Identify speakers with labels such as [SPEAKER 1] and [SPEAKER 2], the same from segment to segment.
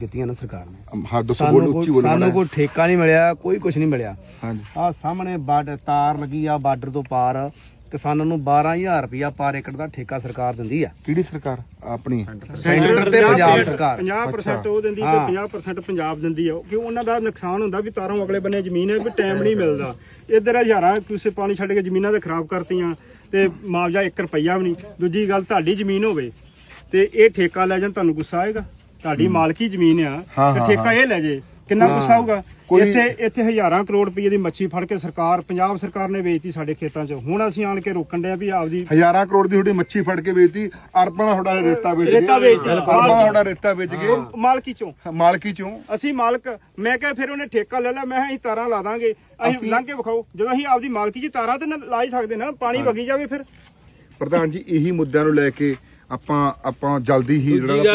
[SPEAKER 1] ਕੀਤੀਆਂ ਨਾ ਸਰਕਾਰ ਨੇ।
[SPEAKER 2] ਹਾਂ ਦੱਸੋ, ਬੋਲੋ ਉੱਚੀ ਬੋਲੋ।
[SPEAKER 1] ਸਾਨੂੰ ਕੋਈ ਠੇਕਾ ਨਹੀਂ ਮਿਲਿਆ, ਕੋਈ ਕੁਝ ਨਹੀਂ ਮਿਲਿਆ।
[SPEAKER 2] ਹਾਂਜੀ
[SPEAKER 1] ਆ ਸਾਹਮਣੇ ਬਾਰਡਰ ਤਾਰ ਲੱਗੀ ਆ, ਬਾਰਡਰ ਤੋਂ ਪਾਰ ਕਿਸਾਨਾਂ ਨੂੰ 12000 ਰੁਪਇਆ ਪਰ ਏਕੜ ਦਾ ਠੇਕਾ ਸਰਕਾਰ ਦਿੰਦੀ ਆ।
[SPEAKER 2] ਕਿਹੜੀ ਸਰਕਾਰ? ਆਪਣੀ
[SPEAKER 1] ਸੈਂਟਰ ਤੇ ਪੰਜਾਬ ਸਰਕਾਰ
[SPEAKER 3] 50% ਉਹ ਦਿੰਦੀ ਤੇ 50% ਪੰਜਾਬ ਦਿੰਦੀ ਆ, ਕਿ ਉਹਨਾਂ ਦਾ ਨੁਕਸਾਨ ਹੁੰਦਾ ਵੀ ਤਾਰੋਂ ਅਗਲੇ ਬੰਨੇ ਜ਼ਮੀਨ ਹੈ, ਵੀ ਟਾਈਮ ਨਹੀਂ ਮਿਲਦਾ। ਇੱਧਰ ਹਜ਼ਾਰਾਂ ਕਿਸੇ ਪਾਣੀ ਛੱਡ ਕੇ ਜ਼ਮੀਨਾਂ ਤੇ ਖਰਾਬ ਕਰਤੀਆਂ ਤੇ ਮੁਆਵਜ਼ਾ 1 ਰੁਪਈਆ ਵੀ ਨਹੀਂ। ਦੂਜੀ ਗੱਲ, ਤੁਹਾਡੀ ਜ਼ਮੀਨ ਹੋਵੇ ਤੇ ਇਹ ਠੇਕਾ ਲੈ ਜਾਣ, ਤੁਹਾਨੂੰ ਗੁੱਸਾ ਆਏਗਾ? ਤੁਹਾਡੀ ਮਾਲਕੀ ਜ਼ਮੀਨ ਆ ਤੇ ਠੇਕਾ ਇਹ ਲੈ ਜੇ, ਕਿੰਨਾ ਗੁੱਸਾ ਆਊਗਾ? ਇੱਥੇ ਹਜ਼ਾਰਾਂ ਕਰੋੜ ਰੁਪਏ ਦੀ ਮੱਛੀ ਫੜ ਕੇ ਪੰਜਾਬ ਸਰਕਾਰ ਨੇ ਵੇਚਤੀ ਸਾਡੇ ਖੇਤਾਂ 'ਚ। ਹੁਣ ਅਸੀਂ ਆਣ ਕੇ ਰੋਕਣ ਡਿਆ ਵੀ ਆਪਦੀ
[SPEAKER 2] ਹਜ਼ਾਰਾਂ ਕਰੋੜ ਦੀ ਤੁਹਾਡੀ ਮੱਛੀ ਫੜ ਕੇ ਵੇਚਤੀ, ਅਰਬਾਂ ਦਾ ਤੁਹਾਡਾ ਰੇਤਾ ਵੇਚ ਗਏ, ਅਰਬਾਂ ਦਾ ਤੁਹਾਡਾ ਰੇਤਾ ਵੇਚ ਗਏ ਮਾਲਕੀ ਚੋਂ
[SPEAKER 3] ਅਸੀਂ ਮਾਲਕ। ਮੈਂ ਕਿਹਾ ਫਿਰ ਉਹਨੇ ਠੇਕਾ ਲੈ ਲਿਆ, ਮੈਂ ਕਿਹਾ ਅਸੀਂ ਤਾਰਾਂ ਲਾ ਦਾਂਗੇ, ਅਸੀਂ ਲੰਘ ਕੇ ਵਿਖਾਓ। ਜਦੋਂ ਅਸੀਂ ਆਪਦੀ ਮਾਲਕੀ 'ਚ ਤਾਰਾਂ ਤੇ ਲਾ ਹੀ ਸਕਦੇ ਨਾ, ਪਾਣੀ ਵਗੀ ਜਾਵੇ। ਫਿਰ
[SPEAKER 2] ਪ੍ਰਧਾਨ ਜੀ ਇਹੀ ਮੁੱਦਿਆਂ ਨੂੰ ਲੈ ਕੇ ਆਪਾਂ ਜਲਦੀ ਹੀ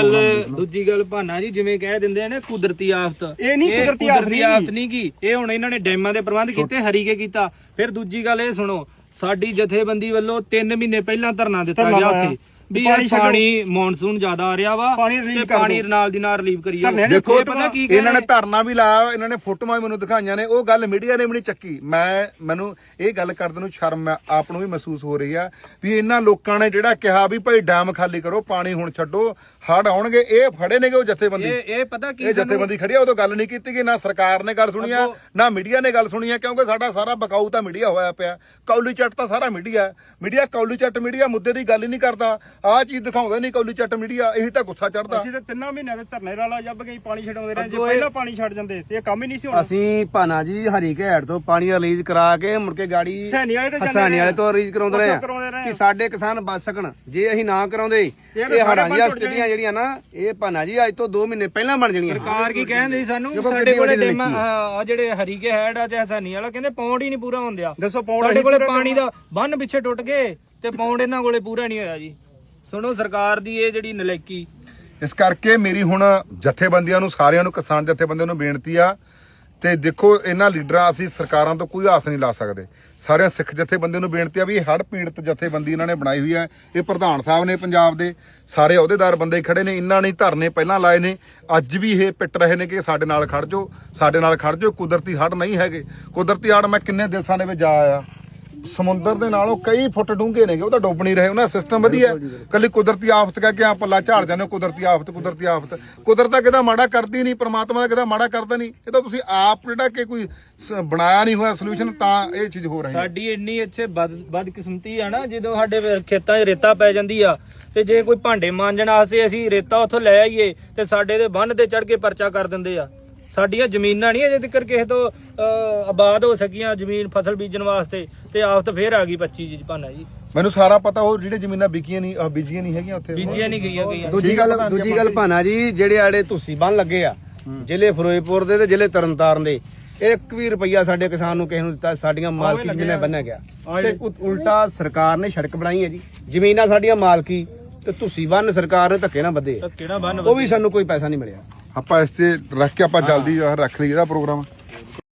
[SPEAKER 4] ਦੂਜੀ ਗੱਲ ਭਾਨਾ ਜੀ, ਜਿਵੇਂ ਕਹਿ ਦਿੰਦੇ ਆ ਨਾ ਕੁਦਰਤੀ ਆਫਤ,
[SPEAKER 3] ਇਹ ਨਹੀਂ ਕੁਦਰਤੀ
[SPEAKER 4] ਆਫਤ ਨਹੀਂ ਗੀ। ਇਹ ਹੁਣ ਇਹਨਾਂ ਨੇ ਡੈਮਾਂ ਦੇ ਪ੍ਰਬੰਧ ਕੀਤੇ, ਹਰੀਕੇ ਕੀਤਾ। ਫਿਰ ਦੂਜੀ ਗੱਲ ਇਹ ਸੁਣੋ, ਸਾਡੀ ਜਥੇਬੰਦੀ ਵੱਲੋਂ 3 ਮਹੀਨੇ ਪਹਿਲਾਂ ਧਰਨਾ ਦਿੱਤਾ ਗਿਆ ਉੱਥੇ ਵੀ ਇਹ ਪਾਣੀ ਮੌਨਸੂਨ ਜ਼ਿਆਦਾ ਆ ਰਿਹਾ ਵਾ ਤੇ ਪਾਣੀ ਨਾਲ ਦੀ ਨਾਲ ਰਿਲੀਵ ਕਰੀ ਜਾਓ।
[SPEAKER 2] ਦੇਖੋ ਪਤਾ ਕੀ ਇਹਨਾਂ ਨੇ ਧਰਨਾ ਵੀ ਲਾਇਆ, ਇਹਨਾਂ ਨੇ ਫੋਟੋਆਂ ਮੈਨੂੰ ਦਿਖਾਈਆਂ ਨੇ, ਉਹ ਗੱਲ ਮੀਡੀਆ ਨੇ ਵੀ ਨਹੀਂ ਚੱਕੀ। ਮੈਨੂੰ ਇਹ ਗੱਲ ਕਰਦੇ ਨੂੰ ਸ਼ਰਮ ਆਪ ਨੂੰ ਵੀ ਮਹਿਸੂਸ ਹੋ ਰਹੀ ਆ ਵੀ ਇਹਨਾਂ ਲੋਕਾਂ ਨੇ ਜਿਹੜਾ ਕਿਹਾ ਵੀ ਭਾਈ ਡੈਮ ਖਾਲੀ ਕਰੋ, ਪਾਣੀ ਹੁਣ ਛੱਡੋ, ਹੜ ਆਉਣਗੇ, ਇਹ ਫੜੇ ਨੇਗੇ ਉਹ ਜਥੇਬੰਦੀ।
[SPEAKER 4] ਇਹ ਪਤਾ ਕੀ,
[SPEAKER 2] ਇਹ ਜਥੇਬੰਦੀ ਖੜੀ ਆ, ਉਦੋਂ ਗੱਲ ਨਹੀਂ ਕੀਤੀ ਗਈ, ਨਾ ਸਰਕਾਰ ਨੇ ਗੱਲ ਸੁਣੀ ਆ ਨਾ ਮੀਡੀਆ ਨੇ ਗੱਲ ਸੁਣੀ ਆ, ਕਿਉਂਕਿ ਸਾਡਾ ਸਾਰਾ ਬਕਾਊ ਤਾਂ ਮੀਡੀਆ ਹੋਇਆ ਪਿਆ। ਕੌਲੀ ਚੱਟ ਤਾਂ ਸਾਰਾ ਮੀਡੀਆ ਕੌਲੀ ਚੱਟ ਮੀਡੀਆ ਮੁੱਦੇ ਦੀ ਗੱਲ ਹੀ ਨਹੀਂ ਕਰਦਾ। ਆਹ ਚੀਜ਼ ਦਿਖਾਉਂਦਾ ਨਹੀਂ ਕੌਲੀ ਚੱਟ ਮੀਡੀਆ, ਇਹੀ ਤਾਂ ਗੁੱਸਾ ਚੜਦਾ।
[SPEAKER 3] ਅਸੀਂ ਤਾਂ 3 ਮਹੀਨਿਆਂ ਦੇ ਧਰਨੇ ਰਾਲਾ ਜੱਬ ਗਈ, ਪਾਣੀ ਛਡਾਉਂਦੇ ਰਹੇ। ਜੇ ਪਹਿਲਾਂ ਪਾਣੀ ਛੱਡ ਜਾਂਦੇ ਤੇ ਇਹ ਕੰਮ ਹੀ ਨਹੀਂ ਸੀ ਹੋਣਾ।
[SPEAKER 1] ਅਸੀਂ ਭਾਨਾ ਜੀ ਹਰੀਕੇ ਹੈਡ ਤੋਂ ਪਾਣੀ ਰਿਲੀਜ਼ ਕਰਾ ਕੇ ਮੁੜ ਕੇ ਗਾੜੀ ਹਸਾਨੀ ਵਾਲੇ ਤੋਂ ਰਿਲੀਜ਼ ਕਰਾਉਂਦੇ ਰਹੇ ਆ ਕਿ ਸਾਡੇ ਕਿਸਾਨ ਬਚ ਸਕਣ। ਜੇ ਅਸੀਂ ਨਾ ਕਰਾਉਂਦੇ ਇਹ ਹੜਾਂ ਦੀਆਂ ਸਥਿਤੀਆਂ ਜਿਹੜੀਆਂ ਨਾ, ਇਹ ਭਾਨਾ ਜੀ ਅੱਜ ਤੋਂ 2 ਮਹੀਨੇ ਪਹਿਲਾਂ ਬਣ ਜਾਣੀਆਂ।
[SPEAKER 4] ਸਰਕਾਰ ਕੀ ਕਹਿੰਦੀ ਸਾਨੂੰ, ਸਾਡੇ ਕੋਲੇ ਡੈਮਾਂ ਆ ਜਿਹੜੇ ਹਰੀਕੇ ਹੈਡ ਆ ਤੇ ਹਸਾਨੀ ਵਾਲਾ, ਕਹਿੰਦੇ ਪੌਂਡ ਹੀ ਨਹੀਂ ਪੂਰਾ ਹੁੰਦਿਆ।
[SPEAKER 3] ਦੱਸੋ
[SPEAKER 4] ਸਾਡੇ ਕੋਲੇ ਪਾਣੀ ਦਾ ਬੰਨ ਪਿੱਛੇ ਟੁੱਟ ਗਏ ਤੇ ਪੌਂਡ ਇਹਨਾਂ ਕੋਲੇ ਪੂਰਾ ਨਹੀਂ ਹੋਇਆ ਜੀ। ਸੁਣੋ ਸਰਕਾਰ ਦੀ ਇਹ ਜਿਹੜੀ ਨਲਾਇਕੀ।
[SPEAKER 2] ਇਸ ਕਰਕੇ ਮੇਰੀ ਹੁਣ ਜਥੇਬੰਦੀਆਂ ਨੂੰ, ਸਾਰਿਆਂ ਨੂੰ, ਕਿਸਾਨ ਜਥੇਬੰਦੀਆਂ ਨੂੰ ਬੇਨਤੀ ਆ, ਤੇ ਦੇਖੋ ਇਹਨਾਂ ਲੀਡਰਾਂ, ਅਸੀਂ ਸਰਕਾਰਾਂ ਤੋਂ ਕੋਈ ਆਸ ਨਹੀਂ ਲਾ ਸਕਦੇ। ਸਾਰਿਆਂ ਸਿੱਖ ਜਥੇਬੰਦੀਆਂ ਨੂੰ ਬੇਨਤੀ ਆ ਵੀ ਇਹ ਹੜ੍ਹ ਪੀੜਤ ਜਥੇਬੰਦੀ ਇਹਨਾਂ ਨੇ ਬਣਾਈ ਹੋਈ ਹੈ। ਇਹ ਪ੍ਰਧਾਨ ਸਾਹਿਬ ਨੇ ਪੰਜਾਬ ਦੇ, ਸਾਰੇ ਅਹੁਦੇਦਾਰ ਬੰਦੇ ਖੜੇ ਨੇ, ਇਹਨਾਂ ਨੇ ਧਰਨੇ ਪਹਿਲਾਂ ਲਾਏ ਨੇ, ਅੱਜ ਵੀ ਇਹ ਪਿੱਟ ਰਹੇ ਨੇ ਕਿ ਸਾਡੇ ਨਾਲ ਖੜ ਜਾਓ, ਸਾਡੇ ਨਾਲ ਖੜ ਜਾਓ। ਕੁਦਰਤੀ ਹੜ੍ਹ ਨਹੀਂ ਹੈਗੇ। ਕੁਦਰਤੀ ਹੜ੍ਹ ਮੈਂ ਕਿੰਨੇ ਦੇਸ਼ਾਂ ਦੇ ਵਿੱਚ ਜਾ ਆਇਆ, ਸਮੁੰਦਰ ਦੇ ਨਾਲੋਂ ਕਈ ਫੁੱਟ ਡੂੰਘੇ ਨੇਗੇ, ਉਹ ਤਾਂ ਡੁੱਬ ਨਹੀਂ ਰਹੇ, ਉਹਨਾਂ ਸਿਸਟਮ ਵਧੀਆ। ਕੱਲੀ ਕੁਦਰਤੀ ਆਫਤ ਕਹਿ ਕੇ ਆ ਪੱਲਾ ਝਾੜ ਜਾਂਦੇ, ਕੁਦਰਤੀ ਆਫਤ। ਕੁਦਰਤ ਤਾਂ ਕਿਹਦਾ ਮਾੜਾ ਕਰਦੀ ਨਹੀਂ, ਪ੍ਰਮਾਤਮਾ ਦਾ ਕਿਹਦਾ ਮਾੜਾ ਕਰਦਾ ਨਹੀਂ। ਇਹ ਤਾਂ ਤੁਸੀਂ ਆਪ ਜਿਹੜਾ ਕਿ ਕੋਈ ਬਣਾਇਆ ਨਹੀਂ ਹੋਇਆ ਸੋਲੂਸ਼ਨ, ਤਾਂ ਇਹ ਚੀਜ਼ ਹੋ ਰਹੀ ਹੈ।
[SPEAKER 4] ਸਾਡੀ ਇੰਨੀ ਇੱਥੇ ਬਦਕਿਸਮਤੀ ਆ ਨਾ, ਜਦੋਂ ਸਾਡੇ ਖੇਤਾਂ 'ਚ ਰੇਤਾ ਪੈ ਜਾਂਦੀ ਆ ਤੇ ਜੇ ਕੋਈ ਭਾਂਡੇ ਮਾਂਜਣ ਵਾਸਤੇ ਅਸੀਂ ਰੇਤਾ ਉੱਥੋਂ ਲੈ ਆਈਏ ਤੇ ਸਾਡੇ ਦੇ ਬੰਨ ਤੇ ਚੜ ਕੇ ਪਰਚਾ ਕਰ ਦਿੰਦੇ ਆ। ਸਾਡੀਆਂ ਜ਼ਮੀਨਾਂ ਨਹੀਂ ਅਜੇ ਤੱਕ ਕਿਸੇ ਤੋਂ ਆਬਾਦ ਹੋ ਸਕੀਆਂ, ਜ਼ਮੀਨ ਫਸਲ ਬੀਜਣ ਵਾਸਤੇ, ਤੇ ਆਫਤ ਫੇਰ ਆ ਗਈ 25 ਜੀ ਭਾਨਾ ਜੀ।
[SPEAKER 2] ਮੈਨੂੰ ਸਾਰਾ ਪਤਾ, ਉਹ ਜਿਹੜੇ ਜ਼ਮੀਨਾਂ ਬੀਜੀਆਂ ਨਹੀਂ ਹੈਗੀਆਂ ਉੱਥੇ,
[SPEAKER 4] ਬੀਜੀਆਂ ਨਹੀਂ ਗਈਆਂ।
[SPEAKER 1] ਦੂਜੀ ਗੱਲ ਭਾਨਾ ਜੀ, ਜਿਹੜੇ ਆੜੇ ਤੁਸੀਂ ਬੰਨ ਲੱਗੇ ਆ ਜ਼ਿਲ੍ਹੇ ਫਿਰੋਜ਼ਪੁਰ ਦੇ ਤੇ ਜ਼ਿਲ੍ਹੇ ਤਰਨਤਾਰਨ ਦੇ, 1 ਵੀ ਰੁਪਈਆ ਸਾਡੇ ਕਿਸਾਨ ਨੂੰ ਕਿਸੇ ਨੂੰ ਦਿੱਤਾ? ਸਾਡੀਆਂ ਮਾਲਕੀ ਜ਼ਮੀਨਾਂ ਬੰਨਿਆ ਗਿਆ ਤੇ ਉਲਟਾ ਸਰਕਾਰ ਨੇ ਸੜਕ ਬਣਾਈ ਹੈ ਜੀ। ਜ਼ਮੀਨਾਂ ਸਾਡੀਆਂ ਮਾਲਕੀ ਤੇ ਤੁਸੀਂ ਬੰਨ ਸਰਕਾਰ ਨੇ ਧੱਕੇ ਨਾਲ ਬੱਧੇ, ਉਹ ਵੀ ਸਾਨੂੰ ਕੋਈ ਪੈਸਾ ਨਹੀਂ ਮਿਲਿਆ।
[SPEAKER 2] ਆਪਾਂ ਇਸ ਤੇ ਰੱਖ ਕੇ ਆਪਾਂ ਜਲਦੀ ਰੱਖ ਲਈ ਇਹਦਾ ਪ੍ਰੋਗਰਾਮ।